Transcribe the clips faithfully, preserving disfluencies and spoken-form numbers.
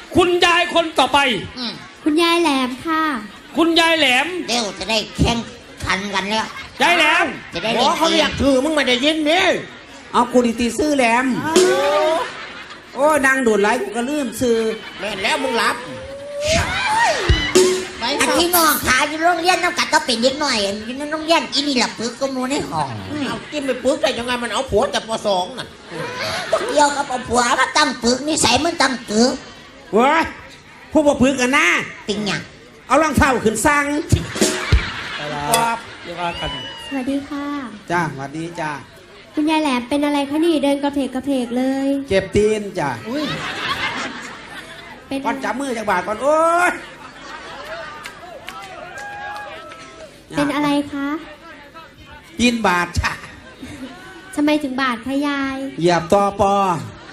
คุณยายคนต่อไปคุณยายแหลมค่ะคุณยายแหลมเดี๋ยวจะได้แข่งขันกันแล้วยายแหลมจะได้หมอเขาเรียกถือมึงไม่ได้ยินนี่เอากูดีตีซื้อแหลมโอ้นางโดดไหลกูก็ลืมซื้อแม่นแล้วมึงรับอันที่น้องขาอยู่โรงเรียนน้องกัดต้องเป็นเด็กหน่อยอยู่ในโรงเรียนอีนี่หลับปึกก็มูในห้องเอากินไปปึกได้ยังไงมันเอาผัวแต่ปสองน่ะเกี่ยวกับเอาผัวมาตั้งปึกนิสัยมันตั้งปึกเว้ยผู้บ่ปึกกันนะติงหยังเอารองเท้าขึ้นสั่งครับเดี๋ยวว่ากันสวัสดีค่ะจ้าสวัสดีจ้าคุณยายแหลมเป็นอะไรคะนี่เดินกระเพกกระเพกเลยเจ็บตีนจ้าเป็นก่อนจับมือจากบาทก่อนโอ้ยเป็นอะไรคะตีนบาดจ้าทำไมถึงบาดคะยายเหยียบตอปอ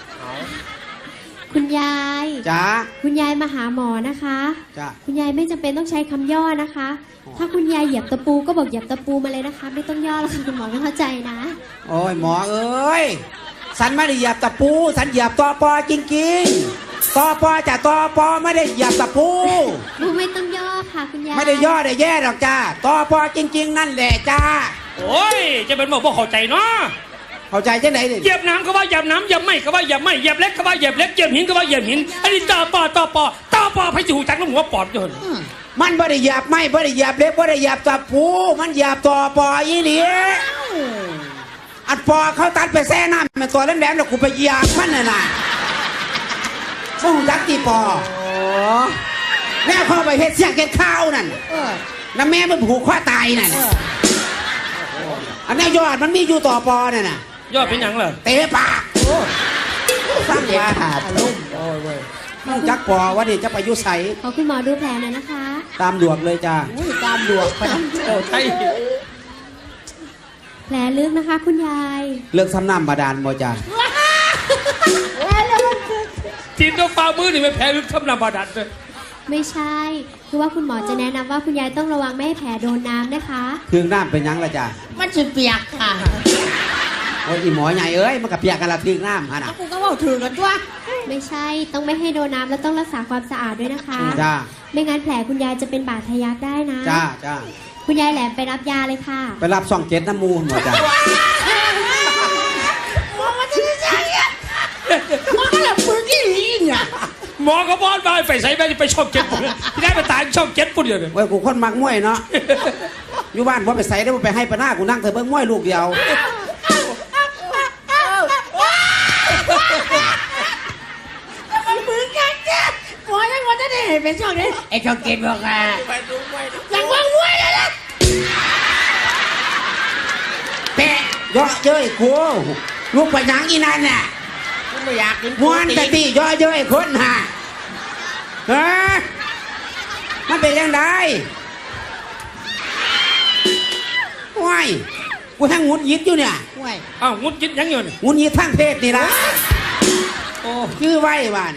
คุณยายจ้าคุณยายมาหาหมอนะคะจ้าคุณยายไม่จำเป็นต้องใช้คำย่อนะคะถ้าคุณยายเหยียบตะปูก็บอกเหยียบตะปูมาเลยนะคะไม่ต้องย่อแล้วค่ะคุณหมอไม่เข้าใจนะโอ้ยหมอเอ้ยสันไม่ได้เหยียบตะปูสันเหยียบตอปอจริงๆตอปอจะตอปอไม่ได้เหยียบตะปูไม่ต้องย่อค่ะคุณยายไม่ได้ย่อได้แย่หรอกจ้าตอปอจริงๆนั่นแหละจ้าโอ้ยจะเป็นบอกว่าเข้าใจเนาะเข้าใจจังไหนเหยียบน้ำก็ว่าเหยียบน้ำเหยียบไม้ก็ว่าเหยียบไม้เหยียบเล็กก็ว่าเหยียบเล็กเหยียบหินก็ว่าเหยียบหินอันนี้ตอปอตอปอตอปอให้จูจักแล้วหัวปอดอยู่มันไม่ได้เหยียบไม่ไม่ได้เหยียบเล็กไม่ได้เหยียบตะปูมันเหยียบตอปอยี่หลีอัดปอเขาตัดไปแซ่น้ำมันตัวแหลมๆแล้วกูไปเหยียบมันน่ะนะส่งจักตีปอแม่เข้าไปเฮ็ดเสียงเก็ดข้าวนั่นน้าแม่มันผูกคอตายนั่นอันนี้ยอดมันมีอยู่ต่อปอเนี่ยนะยอดเป็นยังเหรอเตะปากสร้างว่าขาดลุ่มโอ้ยเว้ยจักปอว่าดิจะไปยุใสขอคุณหมอดูแผลหน่อยนะคะตามดวงเลยจ้าตามดวงไปโอ้ใช่แผลลึกนะคะคุณยายเลือกซ้ำน้ำบาดาลบ่จ้าทีมต้องฝ่ามือนี่ไม่แพ้ลึกซ้ำน้ำบาดาลเลยไม่ใช่คือว่าคุณหมอจะแนะนำว่าคุณยายต้องระวังไม่ให้แผลโดนน้ำนะคะถึงน้ำเป็นยังละจ้ามันจะเปียกค่ะโอ้ยอีหมอใหญ่เอ้ยมันกับเปียกกันละถึงน้ำฮะนะกูก็บอกถึงกันตัวไม่ใช่ต้องไม่ให้โดนน้ำแล้วต้องรักษาความสะอาดด้วยนะคะจ้าไม่งั้นแผลคุณยายจะเป็นบาดทะยักได้นะจ้าจ้าคุณยายแหลมไปรับยาเลยค่ะไปรับซองเจ็ดน้ำมูลหมดจ้ามันก็แบบปืนที่หลีเนี่ยหมอก็บอลไปไปใส่ไปไปช่องเจ็ดปุ่นที่ได้ไปตายช่องเจ็ดปุ่นเดียวเลยเว้ยกูคนมักมวยเนาะอยู่บ้านพอไปใส่ได้ไปให้ปะหน้ากูนั่งเถอะเบิ้งมวยลูกเดียวมันปืนกันจ้ะหมอยังว่าจะได้เห็นเป็นช่องนี้ไอ้ช่องเจ็ดบอกอ่ะยังว่างมวยเลยนะแปะย่อเย้ยกูลูกไปยังอีนั่นน่ะไม่อยากกินม้วนกะตีย่อเย้ยคนห่าฮะมันเป็นยังไงว้ายกูทั้งงุดยิดอยู่เนี่ยอ้าวงุดยิดยังอยู่งุดยิดทั้งเพศนี่ละโอ้ชื่อไว้บ้าน